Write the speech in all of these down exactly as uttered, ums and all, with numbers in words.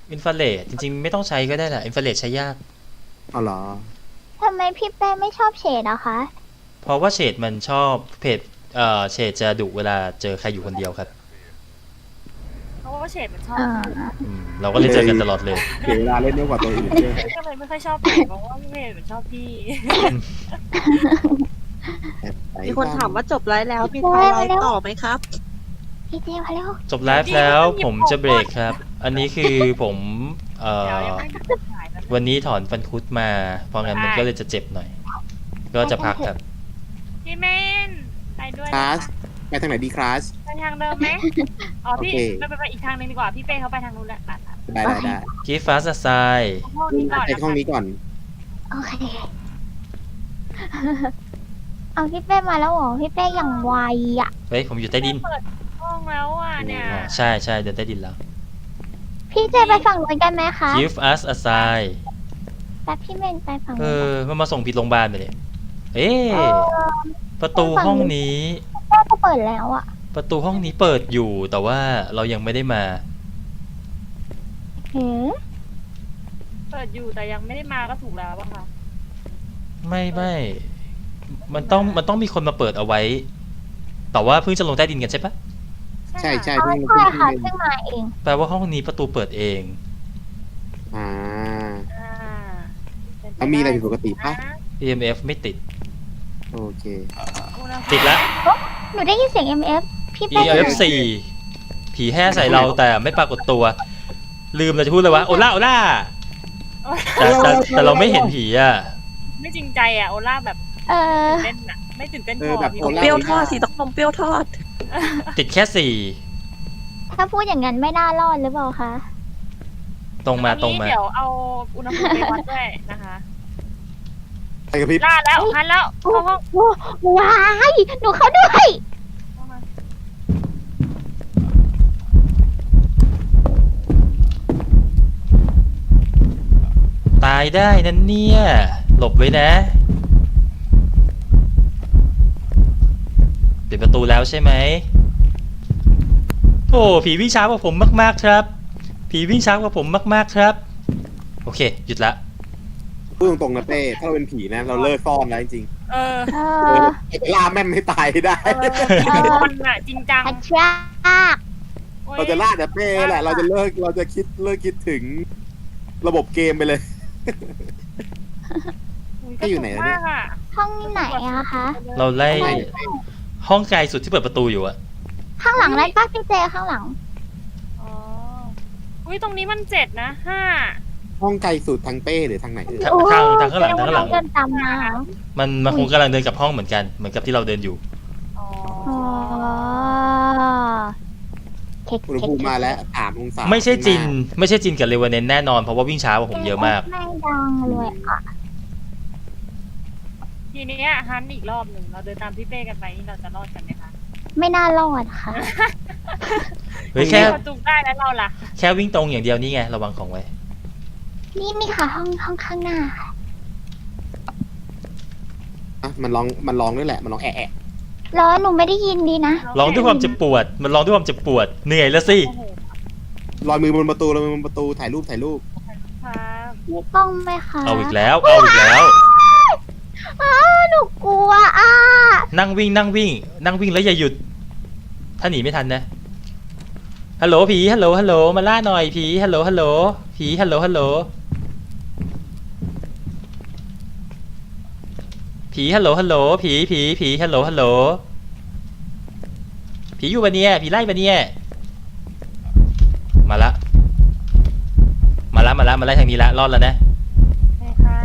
อินฟราเรดจริงๆไม่ต้องใช้ก็ได้แหละอินฟราเรดใช้ยากอ๋อเหรอทำไมพี่เป้ไม่ชอบเฉดอะคะเพราะว่าเฉดมันชอบเพจเอ่อเฉดจะดุเวลาเจอใครอยู่คนเดียวครับเพราะว่าเฉดมันชอบอ่าอืมเราก็เลยเจอกันตลอดเลยเสียเวลาเล่นเยอะกว่าตัวอื่นเยอะก็เลยไม่ค่อยชอบเฉดเพราะว่าเฉดมันชอบพี่มีคนถามว่าจบไลฟ์แล้วมีใครไลฟ์ต่อไหมครับพี่เจมาแล้วจบไลฟ์แล้วผมจะเบรกครับ อันนี้คือผมเอ่อเดี๋ยวยังไม่ได้ขายนะวันนี้ถอนฟันคุดมา เพราะงั้นมันก็เลยจะเจ็บหน่อย ก็จะพักครับพี่เมนไปด้วยคนะลาสคะไปทางไหนดีคลาสไปทางเดิมไหมอ๋อพี่โอเคไปไปไปอีกทางหนึงดีกว่าพี่เป้เขาไปทางนู้นแหละตัดตัดได้ได้ได้ Give us a sign ห้องนี้ก่อนไปนะห้องคะนี้ก่อนโอเค เอาพี่เป้มาแล้วเหรอ พี่เป้อย่างไวอะเฮ้ยผมอยู่ใต้ดินเปิดห้องแล้วอ่ะเนี่ยอ๋อใช่ใช่เดินใต้ดินแล้วพี่เจไปฝั่งนู้นกันไหมคะ Give us a sign แต่พี่เมนไปฝั่งเอนู้นอมันมาส่งผิดโรงพยาบาลไปเลยเอ๊เอะ อประตูห้องนี้เป้ก็เปิดแล้วอะประตูห้องนี้เปิดอยู่แต่ว่าเรายังไม่ได้มาหืมเปิดอยู่แต่ยังไม่ได้มาก็ถูกแล้วป่ะคะไม่ไม่มันต้องมันต้องมีคนมาเปิดเอาไว้ แต่ว่าเพิ่งจะลงใต้ดินกันใช่ปะใช่ใช่เอาเพิ่งใช่เพิ่งค่ะเล่นเพิ่งมาเองแปลว่าห้องนี้ประตูเปิดเองอ่าอ่าเป็นปแล้วมีอะไรผิดปกติปะนะอี เอ็ม เอฟ ไม่ติดโอเคอุณหภูมิติดละหนูได้ยินเสียง เอ็ม เอฟ พี่อีเป้เอ็ม เอฟ สี่ ผีแห่ใส่เราแต่ไม่ปรากฏตัว ลืมเราจะพูดเลยว่าโอล่าโอล่าแต่แต่แต่เราไม่เห็นผีอ่ะไม่จริงใจอ่ะโอล่าแบบเออตื่นเต้นอ่ะไม่ตื่นเต้นเอพออแบบพี่โอล่าเปรี้ยวทอดสีตกนมเปรี้ยวทอดติดแค่สี่ถ้าพูดอย่างนั้นไม่น่ารอดหรือเปล่าคะตรงมาอันนี้ตรงมาเดี๋ยวเอาอุณหภูมิไปวัดด้วยนะคะไปกับพริบล่าแล้วพันแล้วเข้าห้องโอ้ว้าย หนูเข้าด้วยเข้ามาตายได้นั่นเนี่ย หลบไว้นะปิดประตูแล้วใช่ไหมโอ้ผีวิ่งช้ากว่าผมมากๆครับ ผีวิ่งช้ากว่าผมมากๆครับ โอเค หยุดละพูดตรงๆนะเป้ถ้าเราเป็นผีนะ เราเลิกซ่อนแล้วจริงเออเอๆเอออไอ้ล่าแม่นไม่ตายได้เออเป็นคนอ่ะจริงจังอัจฉริยะโอ๊ยเราจะล่าแต่เป้แหละ เราจะเลิกเราจะคิดเลิกคิดถึงระบบเกมไปเลยก็อยู่ไหนเนี่ยห้องไหนอะคะเราไล่ห้องไกลสุดที่เปิดประตูอยู่อะข้างหลังนั่นป้าพี่เจข้างหลังอ๋ออุ้ยตรงนี้มันเจ็ดนะห้าห้องไกลสุดทางเป้หรือทางไหนเออทางทางทางข้างหลังทางข้างหลังเดินตามมามันมันคงกำลังเดินกลับห้องเหมือนกัน เหมือนกับที่เราเดินอยู่อ๋ออ๋อเค้กอุณหเค้กภูมิมาแล้วสามองศาไม่ใช่จิน ไม่ใช่จินกับเลวาเนนแน่นอนเพราะว่าวิ่งช้ากว่าผมเยอะมากไม่ดังเลยอ่ะทีเนี้ยฮันอีกรอบหนึ่งเราเดินตามพี่เป้กันไปนี่เราจะรอดกันไหมคะไม่น่ารอดค่ะเฮ้ยแค่เราจุกได้แล้วเราล่ะแค่วิ่งตรงอย่างเดียวนี่ไงระวังของไว้นี่นี่ค่ะห้องห้องข้างหน้าค่ะอ่ะมันร้องมันร้องด้วยแหละ มันร้องแอะแอะแล้วหนูไม่ได้ยินดีนะร้องด้วยความเจ็บปวด มันร้องด้วยความเจ็บปวด เหนื่อยแล้วสิโอ้โหลอยมือบนประตูลอยมือบนประตูถ่ายรูปถ่ายรูปครับมีกล้องไหมคะเอาอีกแล้ว เอาอีกแล้วอ้าวหนูกลัวอ่ะนั่งวิ่งนั่งวิ่ง นั่งวิ่งแล้วอย่าหยุด ถ้าหนีไม่ทันนะ ฮัลโหลผี ฮัลโหล ฮัลโหล มาล่าหน่อยผี ฮัลโหล ฮัลโหล ผี ฮัลโหล ฮัลโหล ผี ฮัลโหล ฮัลโหล ผี ผี ผี ฮัลโหล ฮัลโหล ผีอยู่ปะเนี่ย ผีไล่ปะเนี่ย มาละ มาละ มาละ มาไล่ทางนี้ละ รอดแล้วนะใช่ค่ะ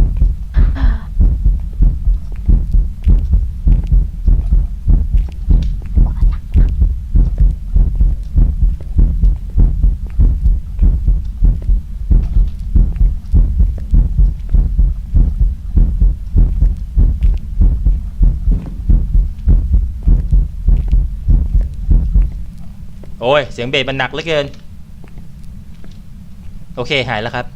โอ้ย เสียงเบสมันหนักเหลือเกิน โอเค หายแล้วครับ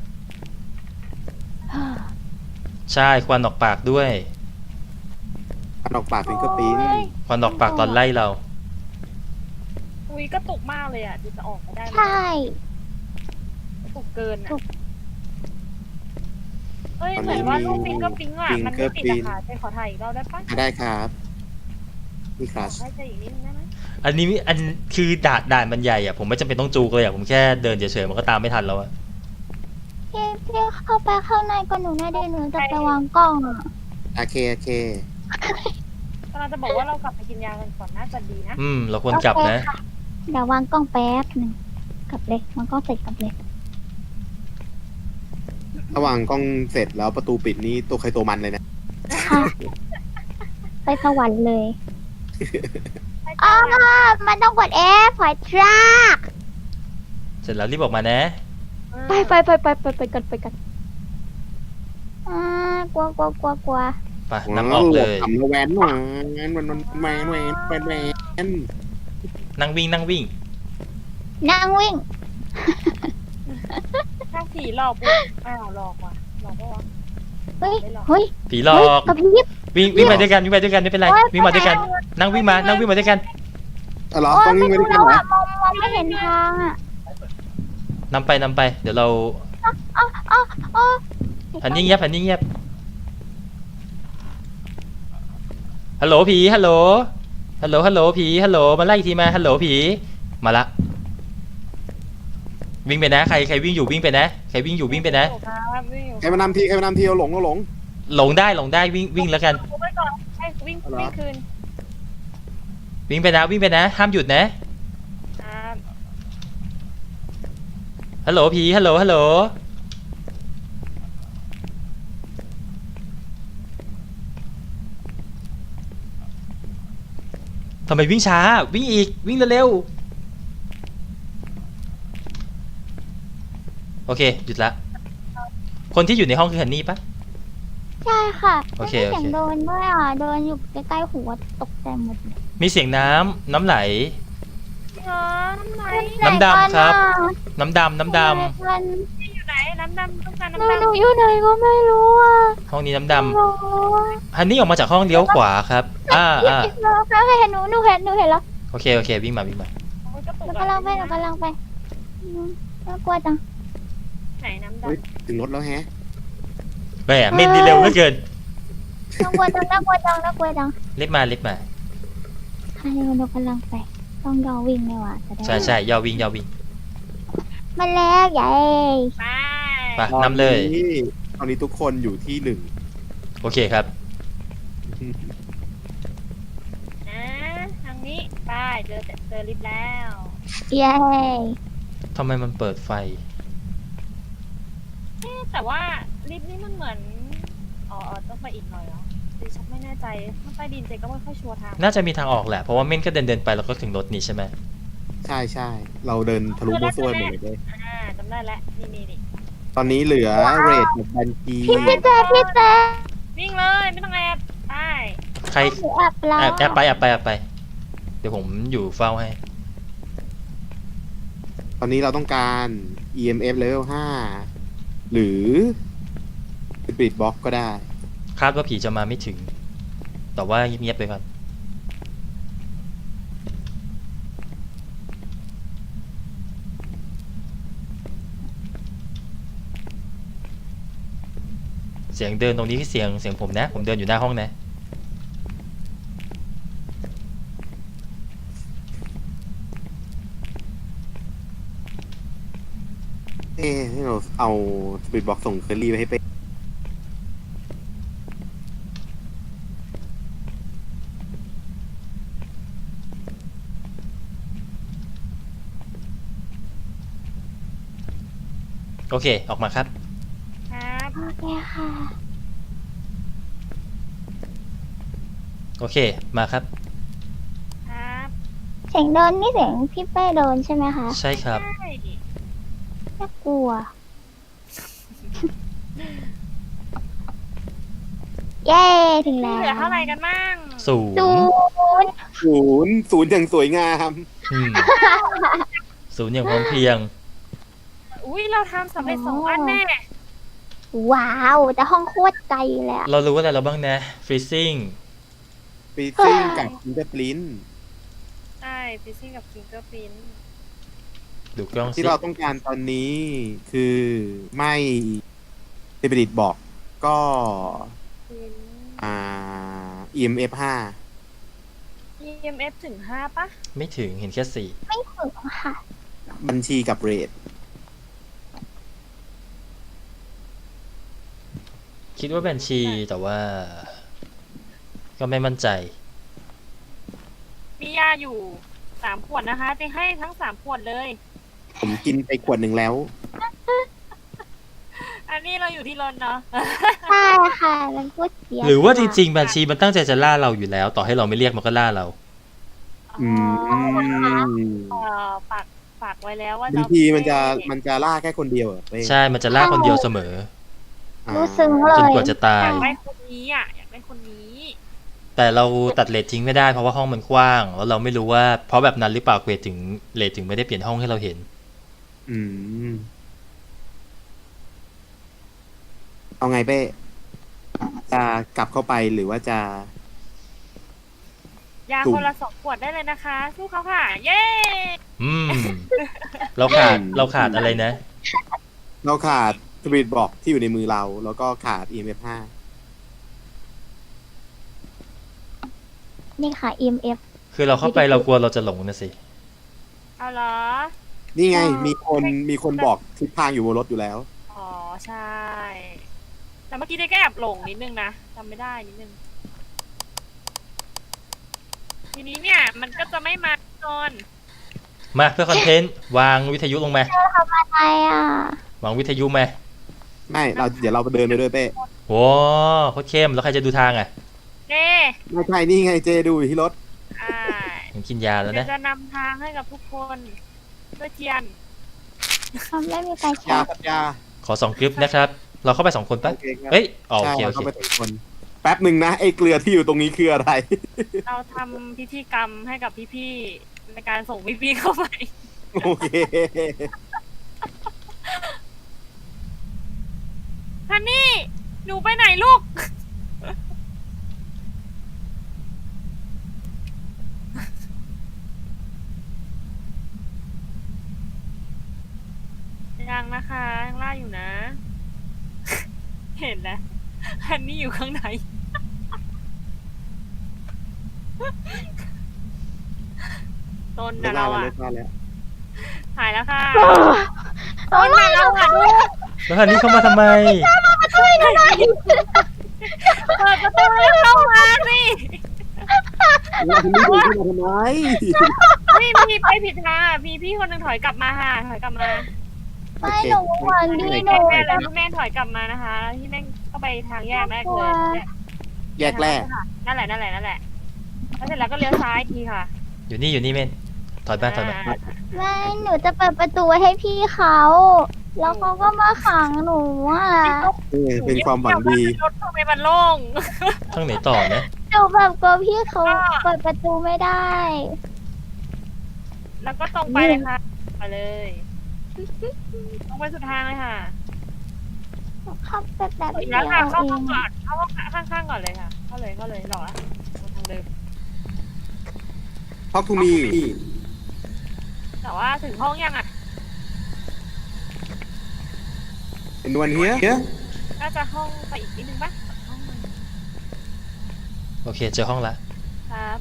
ใช่ ควันออกปากด้วยมันออกปากฟิงเกอร์ปิ้นควันออกปากตอนไล่เราอุ้ยกระตุกมากเลยอ่ะดูจะออกไม่ได้เลยใช่ถูกเกินอ่ะเอ้ยเหมือนว่ารูปฟิงก็ฟิงอ่ะมันไม่ติดอะค่ะจะขอถ่ายอีกรอบได้ปะได้ครับนี่คขรัอบ ให้เจออีกนิดนึงได้ไหมอันนี้อันคือด่านด่านมันใหญ่อะผมไม่จำเป็นต้องจูกเลยอะผมแค่เดินเฉยๆมันก็ตามไม่ทันแล้วอะพี่พี่เข้าไปข้างในก็หนูได้หนูจะไปวางกล้องอ่ะโอเคโอเคกำลังจะบอกว่าเรากลับไปกินยากันก่อนน่าจะดีนะอืมเราควรกลับนะเดี๋ยววางกล้องแป๊บหนึ่งกลับเลยวางกล้องเสร็จกลับเลยระหว่างกล้องเสร็จแล้วประตูปิดนี่ตัวใครตัวมันเลยนะค่ะไปสวรรค์เลยอ๋อมันต้องกด F พอยทรัคเสร็จแล้วรีบออกมานะไปไปไปไปไปไปกันไปกันอ่ากลัวกลัวกลัวกลัวไปนับออกเลยทำแล้วแวนหวานมันมันแวนแวนแวนแวนนั่งวิ่งนั่งวิ่งนั่งวิ่งถ้าผีหลอกปุ๊บอ้าวหลอกว่ะหลอกปะวะเฮ้ยเฮ้ยผีหลอเฮ้ยกกระพริบวิ่งวิ่งมาด้วยกันวิ่งมาด้วยกันไม่เป็นไรวิ่งมาด้วยกัน นั่งวิ่งมานั่งวิ่งมาด้วยกันอ๋อเหรอโอ้ต้ยองวิ่งไม่ไปด้วรู้ยกันแล้วเหรออ่ะมองมองไม่เห็นทางอ่ะนำไปนำไป เดี๋ยวเราอ๋ออ๋ออ๋อหันนิ่งเงียบหันนิ่งเงียบฮัลโหลผีฮัลโหลฮัลโหลฮัลโหลผีฮัลโหลมาไล่อีกทีมาฮัลโหลผีมาละวิ่งไปนะใครใครวิ่งอยู่วิ่งไปนะใครวิ่งอยู่วิ่งไปนะครับวิ่งอยู่ใครมานำทีใครมานำทีเราหลงเราหลงหลงได้หลงได้วิ่งวิ่งแล้วกันไว้ก่อนให้วิ่งเอาเหรอวิ่งคืนวิ่งไปนะวิ่งไปนะห้ามหยุดนะครับฮัลโหลผีฮัลโหลฮัลโหลทำไมวิ่งช้าวิ่งอีกวิ่งเร็วๆโอเคหยุดละคนที่อยู่ในห้องคือฮันนี่ปะใช่ค่ะโอเคไม่มีเสียงโอเคโดนด้วยอ่ะเดินอยู่ใกล้ๆหัวตกใจหมดเลยมีเสียงน้ำน้ำไหลเออน้ำไหนน้ำดำครับ น้ำดำน้ำดมันอยู่ไหนน้ำดำต้องการหนูน้ำหดำนูอยู่ไหนก็ไม่รู้อ่ะำห้องนี้น้ำดโอ้โหำฮันนี่ออกมาจากห้องเลี้ยวขวาครับอ่าอ่าเราเห็นหนูหนูเห็นหนูเห็นแล้วโอเคโอเควิ่งมาวิ่งมาหนูกำลังไปหนูกำลังไปอืมน่ากลัวจังไหนน้ำเฮ้ยดำถึงรถแล้วแฮะแหมเม่นดีเร็วเหลือเกินน่ากลัวจังน่ากลัวจังน่ากลัวจังรีบมารีบมาอันนี้หนูกำลังไปต้องยอวิ่งเลยว่ะจะได้ใช่ใช่ยาววิ่งยาววิ่งมันแล้วใหญ่ไปไปนำเลยตอนนี้ตอนนี้ทุกคนอยู่ที่หนึ่งโอเคครับนะทางนี้ไปเจอเจอลิฟต์แล้วเย้ทำไมมันเปิดไฟเอ๊ะแต่ว่าลิฟต์นี่มันเหมือนอ๋ออ๋อต้องไปอีกหน่อยเหรอดิฉันไม่แน่ใจถ้าใต้ดินเจก็ไม่ค่อยชัวร์ทางน่าจะมีทางออกแหละเพราะว่าเม่นก็เดินเดินไปแล้วก็ถึงรถนี่ใช่ไหมใช่ใช่เราเดินทะลุมั่วซั่วหมดเลยอ่าจำได้แล้วนี่นี่นี่ตอนนี้เหลือเรทกับบัญชีพี่พี่เจพี่เจวิ่งเลยไม่ต้องแอบไปใครหนูแอบแล้วแอบแอบไปแอบไปแอบไป เดี๋ยวผมอยู่เฝ้าให้ตอนนี้เราต้องการ อี เอ็ม เอฟ level ห้าหรือ Spirit Box ก็ได้คาดว่าผีจะมาไม่ถึง แต่ว่าเงียบๆไปก่อน เสียงเดินตรงนี้คือเสียงเสียงผมนะ ผมเดินอยู่หน้าห้องนะเอ๊ะให้เราเอา Spirit Box ส่งเคอรี่ไปให้เป้โอเค ออกมาครับครับโอเคค่ะโอเค มาครับครับเสียงเดินนี่เสียงพี่เป้เดินใช่ไหมคะใช่ครับใช่น่ากลัว เย้ถึงแล้วเหลือเท่าไหร่กันบ้างศูนศูย์นย์ศูนย์ศูนย์อย่างสวยงามอืมศูนย์อย่างพร้อมเพรียงอุ้ยเราทำสำเร็จสองอันแน่ว้าวแต่ห้องโคตรไกลเลยอะเรารู้อะไรเราบ้างนะ freezing ฟีซิ่งกับฟิงเกอร์ปรินใช่ฟิซซิ่งกับฟิงเกอร์พินดูกล้องสิที่เราต้องการตอนนี้คือไม่สปิริตบอกก็เป็นอ่า อี เอ็ม เอฟ ห้าอี เอ็ม เอฟ ถึงห้าปะไม่ถึงเห็นแค่สี่ไม่ถึงค่ะบัญชีกับเรทคิดว่าบัญชีแต่ว่า ก็ไม่มั่นใจมียาอยู่สามขวดนะคะจะให้ทั้งสามขวดเลยผมกินไปขวดหนึ่งแล้วอันนี้เราอยู่ที่รถเนาะใช่ค่ะมันพูดเสียหรือว่าจริงๆบัญชีมันตั้งใจจะล่าเราอยู่แล้ว ต่อให้เราไม่เรียกมันก็ล่าเราอืมเอ่อฝากฝากไว้แล้วว่าบางทีมันจะมันจะล่าแค่คนเดียวเหรอเป้ใช่มันจะล่าคนเดียวเสมออ่ารู้ซึ้งเลจนยกว่าจะตาอย ยากได้คนนี้อ่ะอยากได้คนนี้แต่เราตัดเลททิ้งไม่ได้เพราะว่าห้องมันกว้าง แล้วเราไม่รู้ว่าเพราะแบบนั้นหรือเปล่าเกรดถึงเลทถึงไม่ได้เปลี่ยนห้องให้เราเห็นอืมเอาไงเป้จะกลับเข้าไปหรือว่าจะยาถูกคนละสองขวดได้เลยนะคะ สู้เขาค่ะ เย้อืม เราขาดเราขาดอะไรนะเราขาดสปิริตบอกที่อยู่ในมือเรา แล้วก็ขาด อี เอ็ม เอฟ ห้านี่ค่ะ อี เอ็ม เอฟคือเราเข้าไปเรากลัวเราจะหลงนะสิเอาเหรอนี่ไงใช่มีคนมีคนบอกทิศทางอยู่บนรถอยู่แล้วอ๋อใช่ แต่เมื่อกี้ได้แค่แอบหลงนิดนึงนะจำไม่ได้นิดนึง ทีนี้เนี่ย มันก็จะไม่มานอนมาเพื่อคอนเทนต์วางวิทยุลงมาอะไรอ่ะวางวิทยุมาไม่เราเดี๋ยวเราเดินไปด้วยเป้โว้โคตรเข้มแล้วใครจะดูทางอ่ะเจ้ไม่ใช่นี่ไงเจดูอยู่ที่รถอ่าผมกินยาแล้วเดี๋ยนะวจะนำทางให้กับทุกคนด้วยเทียนเขาไม่มีการแชยาร์สัญญาขอสองกริปนะครับ เราเข้าไปสองคนปะโอเคครับเฮ้ยอ๋อโอใช่เคเราโอเข้าเคไปสองคน แป๊บหนึ่งนะไอ้เกลือที่อยู่ตรงนี้คืออะไรเราทำพิธีกรรมให้กับพี่ๆในการส่งพี่ๆเข้าไปโอเคฮันนี่ หนูไปไหนลูก ยังนะคะยังล่าอยู่นะ เห็นแล้วฮันนี่อยู่ข้างใน ต้นไม่นะได้เราแล้วอ่ะไม่ได้แล้วหายแล้วค่ะโอ้ต้นยนะเราอ่ะลูกแล้วคันนี้เข้ามาทำไมเปิดประตูแล้วเข้ามาสิแล้วคุณไม่ดูขึ้นมาทำไมพี่พี่ไปผิดทางอ่ะพี่พี่คนหนึ่งถอยกลับมาค่ะถอยกลับมาไม่หนูหวังดีหนูแม่เลยพี่แม่ถอยกลับมานะคะที่แม่ก็ไปทางแยกแรกเลยแยกแรกนั่นแหละนั่นแหละนั่นแหละแล้วเสร็จแล้วก็เลี้ยวซ้ายอีกทีค่ะอยู่นี่อยู่นี่เมนถอยบ้านถอยบ้านอ่าไม่หนูจะเปิดประตูไว้ให้พี่เขา แล้วเขาก็มาขังหนูอ่ะนี่เป็นความหวังดีรถทำไมมันโล่งทางไหนต่อนะหนูแบบกลัวพี่เขาเปิดประตูไม่ได้แล้วก็ตรงไปเลยค่ะไปเลยตรงไปสุดทางเลยค่ะเข้าไปแบบอีกเดีแล้ยว วค่ะเอเข้าง ห้องก่อนเข้าห้องข้างๆก่อนเลยค่ะ เข้าเลยเข้าเลยหรอทางเดิมท็อกทูมีแต่ว่าถึงห้องยังอ่ะเป็นวันเฮียน่าจะห้องไปอีกนิดนึงปะห้องนึงโอเคเจอห้องละครับ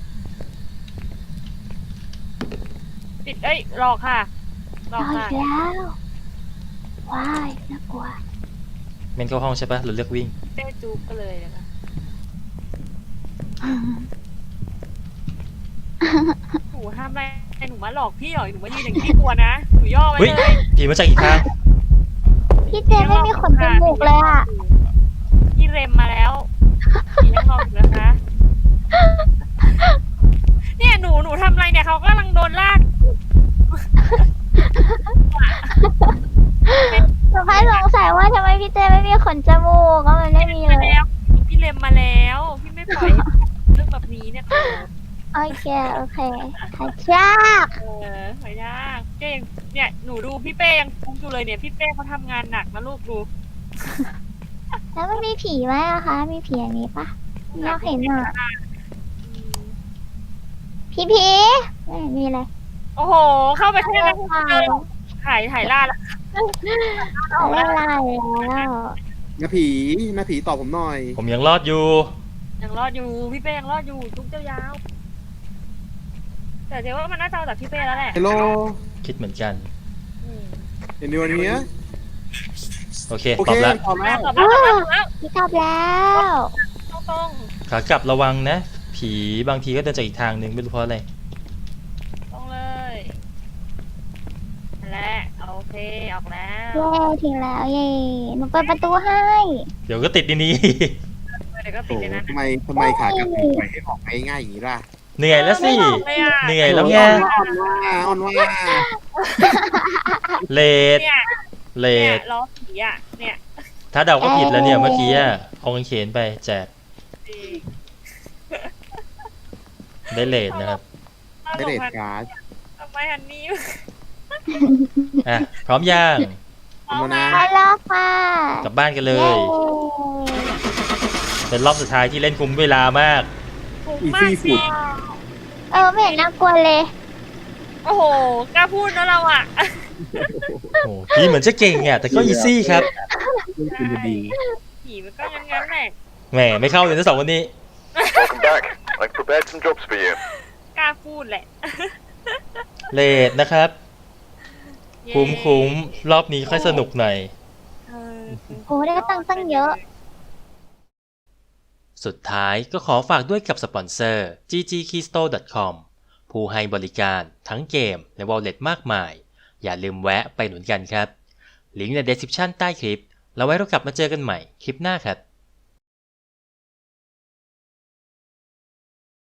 ปิดเอ้ยหลอกค่ะหลอกเอาค่ะอีกแล้วว้ายน่ากลัวเมนเข้าห้องใช่ปะหรือเลือกวิ่งเต้จูบก็เลยนะคะหนูทำอะไรหนูมาหลอกพี่เหรอหนูมายืนอย่างที่กลัวนะหนูย่อไว้เฮ้ยเลยผีมาจากอีกทางพี่เจไม่มีขนจมูกเลยอ่ะพี่เรมมาแล้วพี่ยังรออยู่นะคะ เนี่ยหนูหนูทำอะไรเนี่ยเขากำลังโดนลากหนูแค่สงสัยว่าทำไมพี่เจไม่มีขนจมูกก็มันไม่มีเลมาย แล้วพี่เรมมาแล้ว พี่ไม่ปล่อยให้เรื่องแบบนี้เนี่ยโอเคโอเคขยากเออหอยยากเจ๊ยังเนี่ยหนูดูพี่เป้ยังคุ้มอยู่เลยเนี่ยพี่เป้เขาทำงานหนักนะลูกดูแล้วมันมีผีไหมอะคะ มีผีอันนี้ปะอยากเห็นอ่ะอืมพี่ผีไม่เห็นมีเลยโโอ้โห เข้าไปแค่นั้นเจอถ่ายถ่ายล่าแล้วไม่ไล่แล้วน้าผีน้าผีตอบผมหน่อยผมยังรอดอยู่ยังรอดอยู่พี่เป้ยังรอดอยู่ทุกเจ้ายาวๆแต่เดี๋ยวว่ามันน่าจะเอาจากพี่เป้แล้วแหละฮัลโหลคิดเหมือนกันอืมเห็นดีวันนี้โอเคโอตอเคบแล้วตอบแล้วตอบแล้วตอบแล้วตอบแล้วพี่ตอบแล้วตรงตรงขากลับระวังนะ ผีบางทีก็เดินจากอีกทางหนึ่งไม่รู้เพราะอะไรตรงเลยนั่นแหละโอเคออกแล้วเย้ถึงแล้วเย้หนูเปิดประตูให้เดี๋ยวก็ติดในนี้เดี๋ยวก็ติโอ้ดเลยนะทำไมทำไมขากลับถึงปล่อยให้ออกง่ายๆอย่างนี้ล่ะเหนื่อยแล้วสิไม่ออกเลยอะเหนื่อยแล้วไงอ่อนว่าอ่อนว่าอ่อนว่าเลดเนี่ยเลเนี่ยดล้อผีอ่ะเนี่ยถ้าเดาก็ผิดแล้วเนี่ยเมื่อกี้อะเอากางเขนไปแจกจริงได้เลดนะครับได้เด็ดการ์ดทำไมฮันนี่อ่ะ พร้อมย่างเอามานะไปแล้วค่ะกลับบ้านกันเลเย้ย เป็นรอบสุดท้ายที่เล่นคุ้มเวลามากถูกอีมาซี่กสุสิดเออไม่เห็นน่ากลัวเลยโอ้โหกล้าพูดนะเราอ่ะโอ้พี่เหมือนจะเก่งอ่ะ แต่ก็อีซี่ครับคุณจะดีผีมันก็งั้นงั้นๆแหละแหมไม่เข้าเลยนะสองคนนี้ Welcome back. I've prepared some jobs for you. กล้าพูดแหละเลดนะครับเย้คุ้มคุ้มรอบนี้ค่อยสนุกหน่อยเออโอ้ได้ตังค์ตั้งเยอะสุดท้ายก็ขอฝากด้วยกับสปอนเซอร์ จี จี keystore ดอท คอม ผู้ให้บริการทั้งเกมและ wallet มากมาย อย่าลืมแวะไปหนุนกันครับ ลิงก์ใน description ใต้คลิป แล้วไว้เรากลับมาเจอกันใหม่คลิปหน้าครับ